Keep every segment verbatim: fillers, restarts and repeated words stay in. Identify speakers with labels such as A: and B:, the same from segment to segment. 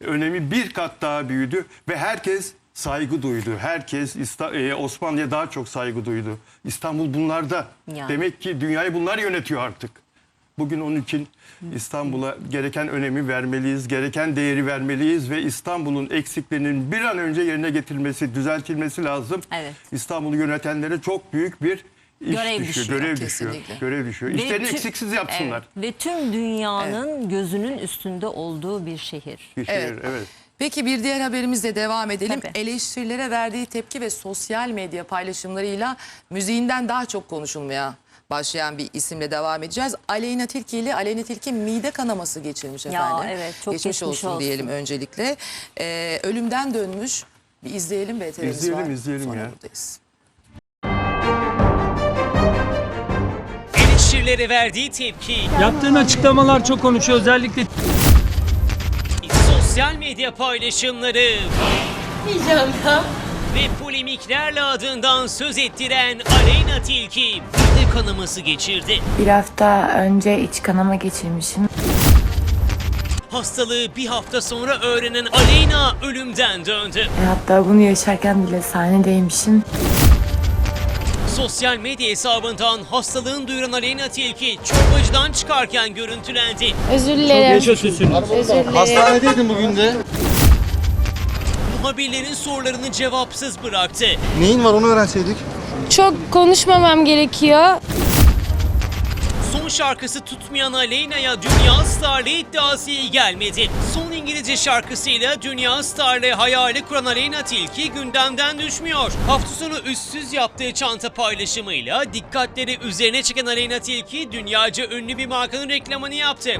A: önemi bir kat daha büyüdü ve herkes saygı duydu. Herkes Osmanlı'ya daha çok saygı duydu. İstanbul bunlarda. Yani. Demek ki dünyayı bunlar yönetiyor artık. Bugün onun için İstanbul'a gereken önemi vermeliyiz, gereken değeri vermeliyiz ve İstanbul'un eksiklerinin bir an önce yerine getirilmesi, düzeltilmesi lazım. Evet. İstanbul'u yönetenlere çok büyük bir iş
B: görev
A: düşüyor,
B: düşüyor.
A: görev düşüyor. Görev düşüyor. İşlerini tüm, eksiksiz yapsınlar.
B: Evet. Ve tüm dünyanın evet. gözünün üstünde olduğu bir şehir.
A: Bir şehir, evet. evet.
C: Peki bir diğer haberimizle devam edelim.
B: Tabii.
C: Eleştirilere verdiği tepki ve sosyal medya paylaşımlarıyla müziğinden daha çok konuşulmaya başlayan bir isimle devam edeceğiz. Aleyna Tilki ile Aleyna Tilki mide kanaması geçirmiş efendim.
B: Ya evet, çok geçmiş,
C: geçmiş olsun,
B: olsun
C: diyelim öncelikle. Ee, ölümden dönmüş. Bir izleyelim B T V'miz var.
A: İzleyelim izleyelim
C: Sonra
A: ya.
C: buradayız.
D: Eleştirilere verdiği tepki.
E: Yaptığın açıklamalar çok konuşuyor, özellikle
D: Sosyal medya paylaşımları.
F: Diyeceğim ya.
D: Ve polemiklerle adından söz ettiren Aleyna Tilki mide kanaması geçirdi.
G: Bir hafta önce iç kanama geçirmişim.
D: Hastalığı bir hafta sonra öğrenen Aleyna ölümden döndü.
G: E, hatta bunu yaşarken bile sahnedeymişim.
D: Sosyal medya hesabından hastalığını duyuran Aleyna Tilki çorbacıdan çıkarken görüntülendi.
F: Özür dilerim.
E: yaşatıyorsun.
F: Özür dilerim.
H: Hastanedeydin bugün de.
D: Muhabirlerin sorularını cevapsız bıraktı.
H: Neyin var onu öğrenseydik.
F: Çok konuşmamam gerekiyor.
D: Son şarkısı tutmayan Aleyna'ya dünya starlığı iddiası iyi gelmedi. Son İngilizce şarkısıyla dünya starlığı hayali kuran Aleyna Tilki gündemden düşmüyor. Hafta sonu üstsüz yaptığı çanta paylaşımıyla dikkatleri üzerine çeken Aleyna Tilki dünyaca ünlü bir markanın reklamını yaptı.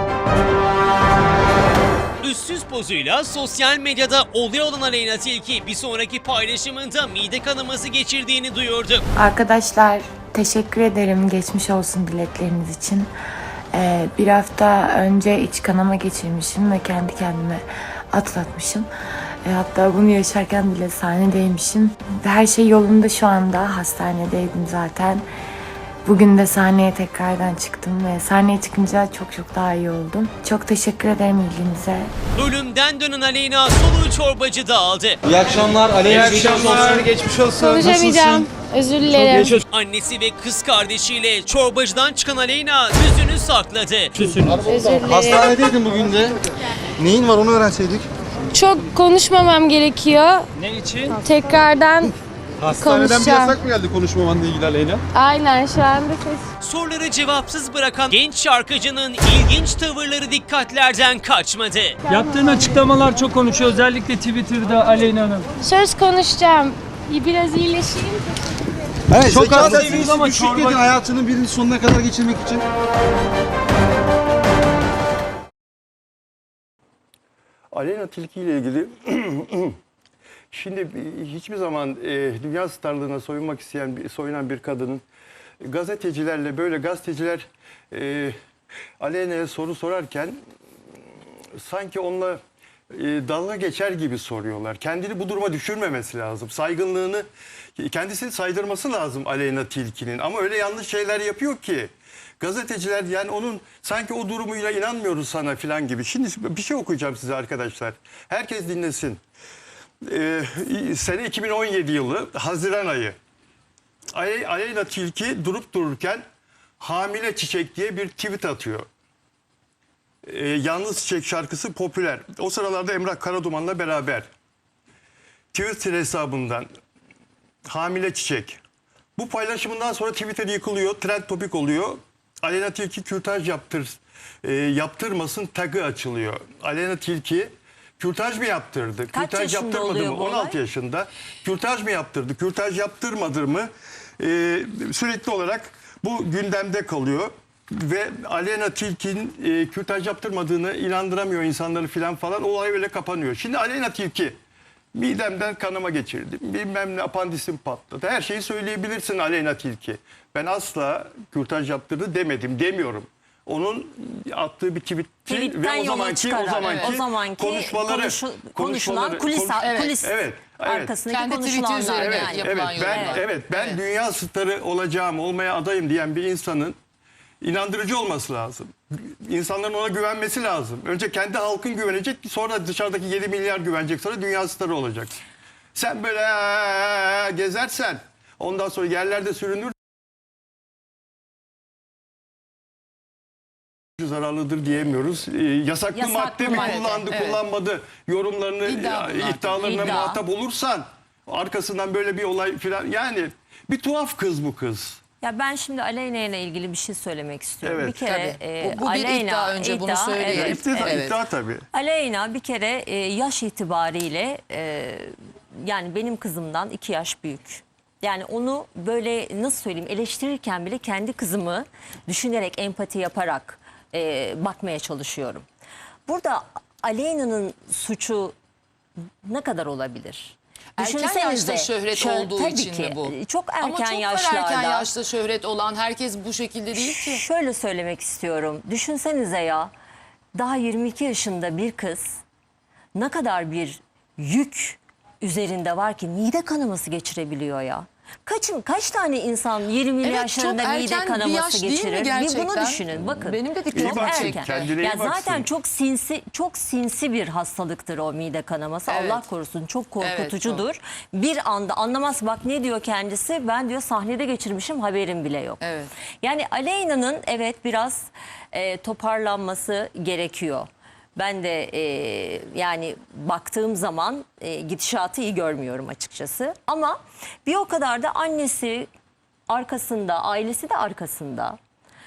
D: Üstsüz pozuyla sosyal medyada olay olan Aleyna Tilki bir sonraki paylaşımında mide kanaması geçirdiğini duyurdu.
G: Arkadaşlar teşekkür ederim geçmiş olsun dilekleriniz için. Ee, bir hafta önce iç kanama geçirmişim ve kendi kendime atlatmışım. E, hatta bunu yaşarken bile sahnedeymişim. Her şey yolunda şu anda. Hastanedeydim zaten. Bugün de sahneye tekrardan çıktım ve sahneye çıkınca çok çok daha iyi oldum. Çok teşekkür ederim ilginize.
D: Ölümden dönen Aleyna soluğu çorbacıda aldı.
H: İyi akşamlar. Aleyna geçmiş olsun. Geçmiş olsun.
F: Konuşamayacağım. Özür dilerim.
D: Annesi ve kız kardeşiyle çorbacıdan çıkan Aleyna yüzünü sakladı.
F: Özür dilerim.
H: Hastanedeydin bugün de. Neyin var onu öğrenseydik.
F: Çok konuşmamam gerekiyor.
E: ne için?
F: Tekrardan
H: Hastaneden bir
F: konuşacağım.
H: yasak mı geldi konuşmamanla ilgili Aleyna?
F: Aynen şu anda ses.
D: Soruları cevapsız bırakan genç şarkıcının ilginç tavırları dikkatlerden kaçmadı.
E: Yaptığın açıklamalar çok konuşuyor, özellikle Twitter'da Aleyna Hanım.
F: Söz konuşacağım. Biraz iyileşeyim.
H: Evet,
E: Çok
H: zeka
E: az
H: seviyesi
E: değiliz ama
H: düşük
E: çorba-
H: dedin hayatının birini sonuna kadar geçirmek için.
A: Aleyna Tilki ile ilgili şimdi hiçbir zaman e, dünya starlığına soyunmak isteyen, bir- soyunan bir kadının gazetecilerle böyle gazeteciler e, Aleyna'ya soru sorarken sanki onunla e, dalga geçer gibi soruyorlar. Kendini bu duruma düşürmemesi lazım. Saygınlığını kendisini saydırması lazım Aleyna Tilki'nin. Ama öyle yanlış şeyler yapıyor ki gazeteciler yani onun sanki o durumuyla inanmıyoruz sana falan gibi. Şimdi bir şey okuyacağım size arkadaşlar. Herkes dinlesin. Ee, sene iki bin on yedi yılı Haziran ayı. Ale- Aleyna Tilki durup dururken hamile çiçek diye bir tweet atıyor. Ee, Yalnız Çiçek şarkısı popüler. O sıralarda Emrah Karaduman'la beraber. Twitter hesabından hamile çiçek. Bu paylaşımından sonra Twitter yıkılıyor, trend topik oluyor. Aleyna Tilki kürtaj yaptır, e, yaptırmasın tagı açılıyor. Aleyna Tilki kürtaj mı yaptırdı?
B: Kaç
A: kürtaj
B: yaşında
A: yaptırmadı
B: oluyor
A: mı?
B: bu
A: on altı
B: olay?
A: yaşında. Kürtaj mı yaptırdı? Kürtaj yaptırmadı mı? E, sürekli olarak bu gündemde kalıyor. Ve Aleyna Tilki'nin e, kürtaj yaptırmadığını inandıramıyor insanları filan falan. Olay öyle kapanıyor. Şimdi Aleyna Tilki midemden kanama geçirdim. Bilmem ne apandisim patladı. Her şeyi söyleyebilirsin Aleyna Tilki. Ben asla kürtaj yaptırdı demedim, demiyorum. Onun attığı bir tweet
B: Tweetten
A: ve o
B: yola
A: zamanki
B: çıkarak,
A: o zamanki,
B: evet. o zamanki
A: konuşmaları
B: konuşu-
A: konuşmaları
B: konuşulan kulis,
A: konuş-
B: evet. kulis
A: evet, evet.
B: arkasındaki
C: Kendi tweet'i
B: konuşulanlar.
C: üzerine
B: Yani.
A: Evet,
C: yapılan
A: ben
C: yorumlar.
A: evet ben
C: Evet.
A: dünya starı olacağım, olmaya adayım diyen bir insanın İnandırıcı olması lazım. İnsanların ona güvenmesi lazım. Önce kendi halkın güvenecek, sonra dışarıdaki yedi milyar güvenecek, sonra dünya starı olacaksın. Sen böyle "Aa!" gezersen, ondan sonra yerlerde sürünür, zararlıdır diyemiyoruz. Ee, yasaklı,
B: Yasaklı
A: madde mi
B: madde,
A: kullandı,
C: evet.
A: kullanmadı yorumlarını,
C: İddia bunlar.
A: iddialarına
B: İddia.
A: muhatap olursan, arkasından böyle bir olay filan, yani bir tuhaf kız bu kız.
B: Ya ben şimdi Aleyna ile ilgili bir şey söylemek istiyorum.
A: Evet.
B: Bir kere
C: Tabii.
B: e,
C: Bu- bu bir
B: Aleyna,
C: iddia, önce bunu söyleyelim.
B: evet,
A: İddia,
C: evet.
A: iddia tabii.
B: Aleyna bir kere e, yaş itibariyle e, yani benim kızımdan iki yaş büyük. Yani onu böyle nasıl söyleyeyim eleştirirken bile kendi kızımı düşünerek, empati yaparak e, bakmaya çalışıyorum. Burada Aleyna'nın suçu ne kadar olabilir?
C: Erken
B: Düşünsenize,
C: yaşta şöhret
B: şö-
C: olduğu
B: tabii
C: için
B: ki,
C: mi bu?
B: Çok erken
C: Ama çok
B: yaşlarda.
C: var erken yaşta şöhret olan. Herkes bu şekilde değil ki.
B: Şöyle söylemek istiyorum. Düşünsenize ya, daha yirmi iki yaşında bir kız ne kadar bir yük üzerinde var ki mide kanaması geçirebiliyor ya. Kaçın kaç tane insan yirmili
C: Evet,
B: yaşlarında
C: çok
B: mide
C: erken bir
B: kanaması
C: yaş değil mi
B: geçirir? Bir
C: gerçekten?
B: bunu düşünün. Bakın.
C: Benim de dikkatimi
A: İyi baksın,
C: çekti.
A: kendine iyi
B: Ya
A: baksın.
B: zaten çok sinsi çok sinsi bir hastalıktır o mide kanaması.
C: Evet.
B: Allah korusun, çok korkutucudur.
C: Evet,
B: Bir anda anlamaz, bak ne diyor kendisi? Ben diyor sahnede geçirmişim, haberim bile yok.
C: Evet.
B: Yani Aleyna'nın evet biraz e, toparlanması gerekiyor. Ben de e, yani baktığım zaman e, gidişatı iyi görmüyorum açıkçası. Ama bir o kadar da annesi arkasında, ailesi de arkasında.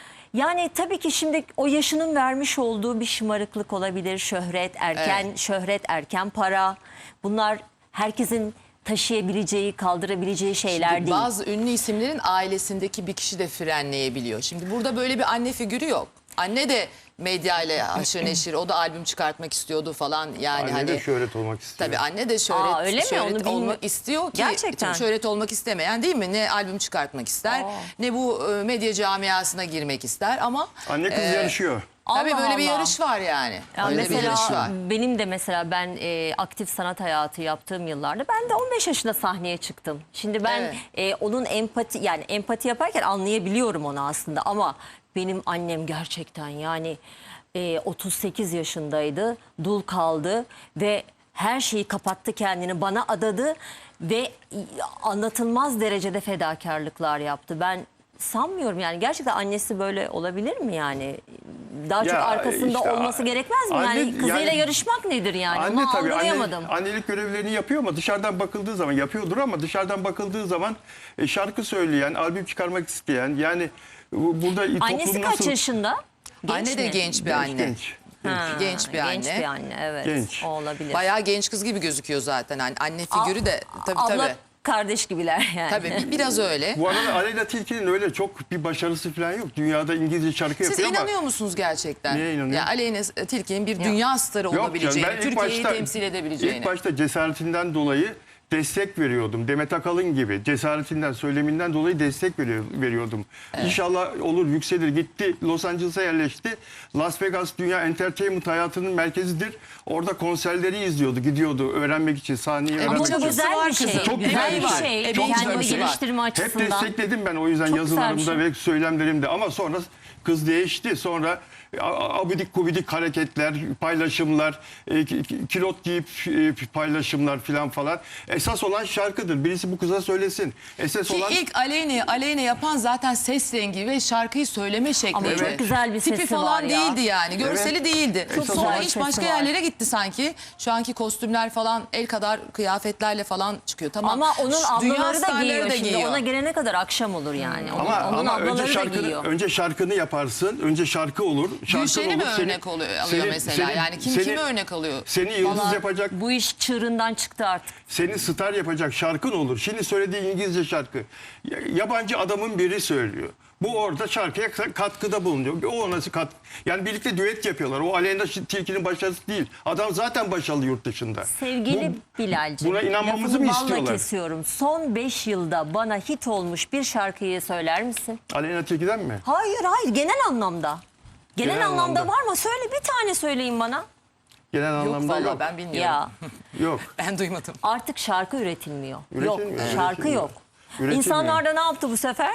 B: Yani tabii ki şimdi o yaşının vermiş olduğu bir şımarıklık olabilir. Şöhret, erken
C: Evet.
B: şöhret, erken para. Bunlar herkesin taşıyabileceği, kaldırabileceği şeyler
C: Şimdi
B: değil.
C: bazı ünlü isimlerin ailesindeki bir kişi de frenleyebiliyor. Şimdi burada böyle bir anne figürü yok. Anne de medyayla haşır neşir, o da albüm çıkartmak istiyordu falan. Yani
A: Anne
C: hani
A: de şöhret olmak istiyor.
C: tabii anne de şöhret,
B: Aa, öyle mi?
C: şöhret
B: Onu bilmi-
C: olmak istiyor ki
B: Gerçekten.
C: şöhret olmak istemeyen değil mi? Ne albüm çıkartmak ister,
B: Aa.
C: ne bu e, medya camiasına girmek ister ama
A: Anne kız
C: e,
A: yarışıyor.
C: tabii
B: Allah
C: böyle bir
B: Allah.
C: yarış var yani.
B: Ya
C: Öyle bir
B: mesela
C: yarış var.
B: benim de mesela ben e, aktif sanat hayatı yaptığım yıllarda ben de on beş yaşında sahneye çıktım. Şimdi ben
C: Evet.
B: e, onun empati yani empati yaparken anlayabiliyorum onu aslında ama benim annem gerçekten yani e, otuz sekiz yaşındaydı, dul kaldı ve her şeyi kapattı, kendini bana adadı ve anlatılmaz derecede fedakarlıklar yaptı. Ben sanmıyorum yani gerçekten annesi böyle olabilir mi yani? Daha çok
A: Ya
B: arkasında
A: işte,
B: olması gerekmez mi?
A: anne-
B: yani kızıyla
A: yani-
B: yarışmak nedir yani?
A: Anne
B: Onu
A: tabii anne,
B: algılayamadım.
A: annelik görevlerini yapıyor ama dışarıdan bakıldığı zaman yapıyordur ama dışarıdan bakıldığı zaman e, şarkı söyleyen, albüm çıkarmak isteyen yani bu- burada
B: Annesi
A: toplum
B: kaç
A: nasıl
B: yaşında? Genç
C: Anne de
B: mi?
C: genç bir
A: genç,
C: anne.
A: genç.
B: Ha,
C: genç bir anne.
B: Genç bir anne evet.
A: Genç.
B: O olabilir.
C: Bayağı genç kız gibi gözüküyor zaten. Hani anne figürü de tabii
B: Abla
C: tabii.
B: kardeş gibiler yani.
C: Tabii bir- biraz öyle.
A: Bu arada Aleyna Tilki'nin öyle çok bir başarısı falan yok. Dünyada İngilizce şarkı
C: Siz
A: yapıyor ama
C: inanıyor musunuz gerçekten?
A: Neye inanıyorum?
C: Ya Aleyna Tilki'nin bir dünya starı
A: Yok canım,
C: olabileceğini,
A: ben ilk
C: Türkiye'yi
A: başta-
C: temsil edebileceğini.
A: İlk başta cesaretinden dolayı destek veriyordum. Demet Akalın gibi cesaretinden, söyleminden dolayı destek veriyor- veriyordum. İnşallah olur, yükselir. Gitti Los Angeles'a yerleşti. Las Vegas dünya entertainment hayatının merkezidir. Orada konserleri izliyordu, gidiyordu öğrenmek için, sahneyi
C: Ama
A: öğrenmek
B: Ama
A: için.
B: bu güzel
C: var
B: bir şey.
C: kızın.
A: Çok
B: güzel
A: güzel
B: bir
A: bir
B: şey.
C: şey.
A: Çok güzel
B: Kendini
A: bir şey.
B: geliştirme
A: Hep
B: açısından.
A: destekledim ben o yüzden
B: Çok güzel bir
A: yazılarımda
B: şey.
A: ve söylemlerimde ama sonra kız değişti. Sonra a- abidik gubidik hareketler, paylaşımlar, e, ki- ki- kilot giyip e, paylaşımlar filan falan. Esas olan şarkıdır. Birisi bu kıza söylesin. Esas
C: Ki
A: olan
C: ilk Aleyna, Aleyna yapan zaten ses rengi ve şarkıyı söyleme şekli.
B: Ama çok güzel bir
C: Tipi
B: sesi
C: falan
B: var ya.
C: değildi yani. Görseli
A: Evet.
C: değildi.
A: Çok
C: Sonra
A: güzel
C: iş
B: sesi
C: başka
B: var.
C: yerlere gitti sanki. Şu anki kostümler falan el kadar kıyafetlerle falan çıkıyor. Tamam.
B: Ama onun
C: Şu dünya
B: ablaları da
C: starları
B: giyiyor
C: da
B: şimdi.
C: giyiyor.
B: Ona gelene kadar akşam olur yani. Onun,
A: ama,
B: onun
A: ama
B: ablaları
A: önce
B: da
A: şarkını
B: giyiyor.
A: önce şarkını yaparsın. Önce şarkı olur. Şarkı
C: Gülşen'i mi
A: olur, seni-
C: örnek oluyor, alıyor
A: seni-
C: mesela?
A: seni-
C: yani kim
A: seni-
C: kimi örnek alıyor?
A: Seni yıldız
B: Vallahi
A: yapacak,
B: Bu iş çığırından çıktı artık.
A: seni star yapacak şarkın olur. Şimdi söylediği İngilizce şarkı. Ya- Yabancı adamın biri söylüyor. Bu orada şarkıya katkıda bulunuyor. O nasıl kat? Yani birlikte düet yapıyorlar. O Aleyna Tilki'nin başarısı değil. Adam zaten başarılı yurt dışında.
B: Sevgili Bilal'cim,
A: buna inanmamızı
B: lafını
A: mı
B: balla
A: istiyorlar?
B: kesiyorum. Son beş yılda bana hit olmuş bir şarkıyı söyler misin?
A: Aleyna Tilki'den mi?
B: Hayır hayır, genel anlamda. Genel,
A: Genel
B: anlamda,
A: anlamda.
B: var mı? Söyle bir tane söyleyin bana.
A: Genel
C: Yok
A: anlamda
C: vallahi
A: yok.
C: ben bilmiyorum.
B: Ya
A: Yok.
C: Ben duymadım.
B: artık şarkı üretilmiyor. yok
A: Üretilmiyor,
B: şarkı
A: üretilmiyor.
B: yok.
A: Üretilmiyor.
B: İnsanlar da ne yaptı bu sefer?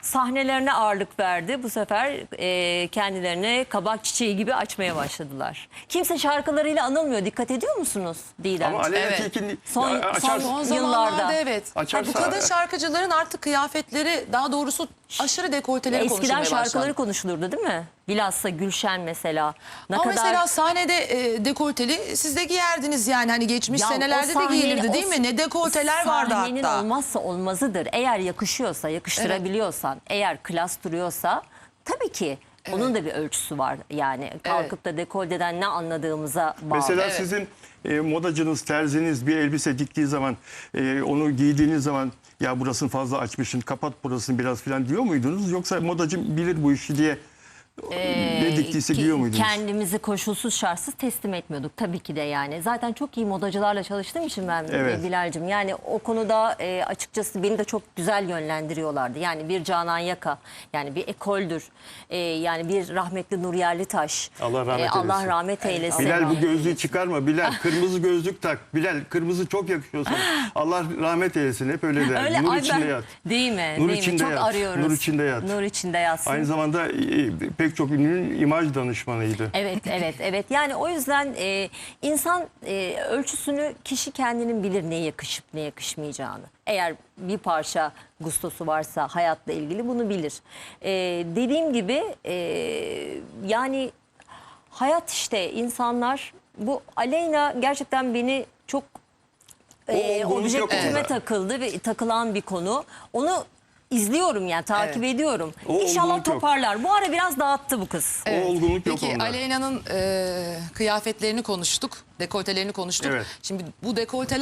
B: sahnelerine ağırlık verdi. Bu sefer e, kendilerini kabak çiçeği gibi açmaya başladılar. Kimse şarkılarıyla anılmıyor. Dikkat ediyor musunuz Didem?
A: Ama Aleyna
C: Evet.
A: Tilki'nin
B: Son-
A: Ya,
B: son-
A: açar-
C: Son
B: Yıllarda.
C: zamanlarda evet.
A: Açarsa-
C: Bu kadın şarkıcıların artık kıyafetleri, daha doğrusu aşırı dekolteleri
B: Eskiden
C: konuşulmaya
B: şarkıları
C: başlandı.
B: konuşulurdu değil mi? Bilhassa Gülşen mesela. Ne
C: Ama
B: kadar...
C: mesela sahnede e, dekolteli siz de giyerdiniz yani hani geçmiş
B: Ya
C: senelerde
B: o
C: de
B: sahnenin-
C: giyilirdi değil
B: o
C: mi? Ne dekolteler vardı
B: Sahnenin
C: hatta.
B: olmazsa olmazıdır. Eğer yakışıyorsa, yakıştırabiliyorsan, eğer klas duruyorsa tabii ki onun da bir ölçüsü var. Yani kalkıp da dekolteden ne anladığımıza bağlı.
A: Mesela
C: Evet.
A: sizin e, modacınız, terziniz bir elbise diktiği zaman, e, onu giydiğiniz zaman ya burasını fazla açmışsın, kapat burasını biraz falan diyor muydunuz? Yoksa modacım bilir bu işi diye ne diktiyse
B: Ki-
A: giyiyor muydunuz?
B: Kendimizi koşulsuz şartsız teslim etmiyorduk tabii ki de yani. Zaten çok iyi modacılarla çalıştığım için ben
A: Evet.
B: Bilal'cim. Yani o konuda e, açıkçası beni de çok güzel yönlendiriyorlardı. Yani bir Canan Yaka, yani bir ekoldür. E, yani bir rahmetli Nur Yerlitaş.
A: Allah rahmet
B: E, Allah
A: eylesin.
B: rahmet eylesin.
A: Bilal bu gözlüğü çıkarma Bilal. Kırmızı gözlük tak. Bilal kırmızı çok yakışıyor sana. Allah rahmet eylesin. Hep öyle der.
B: Öyle
A: Nur
B: ay
A: içinde
B: ben-
A: yat.
B: Değil mi?
A: Nur
B: Değil mi?
A: içinde
B: Çok
A: yat.
B: arıyoruz.
A: Nur içinde yat.
B: Nur içinde yatsın.
A: Aynı zamanda e, pek çok ünlünün imaj danışmanıydı.
B: Evet, evet, evet. Yani o yüzden e, insan e, ölçüsünü kişi kendinin bilir ne yakışıp ne yakışmayacağını. Eğer bir parça gustosu varsa hayatla ilgili bunu bilir. E, dediğim gibi e, yani hayat işte insanlar bu Aleyna gerçekten beni çok
A: O
B: e,
A: olgunluk yok
B: objektifime
A: onda.
B: takıldı ve takılan bir konu. Onu izliyorum yani takip ediyorum.
A: O olgunluk
B: İnşallah
A: yok.
B: toparlar. Bu ara biraz dağıttı bu kız.
A: O olgunluk yok
C: Peki
A: onda.
C: Aleyna'nın e, kıyafetlerini konuştuk, dekoltelerini konuştuk.
A: Evet.
C: Şimdi bu dekolteler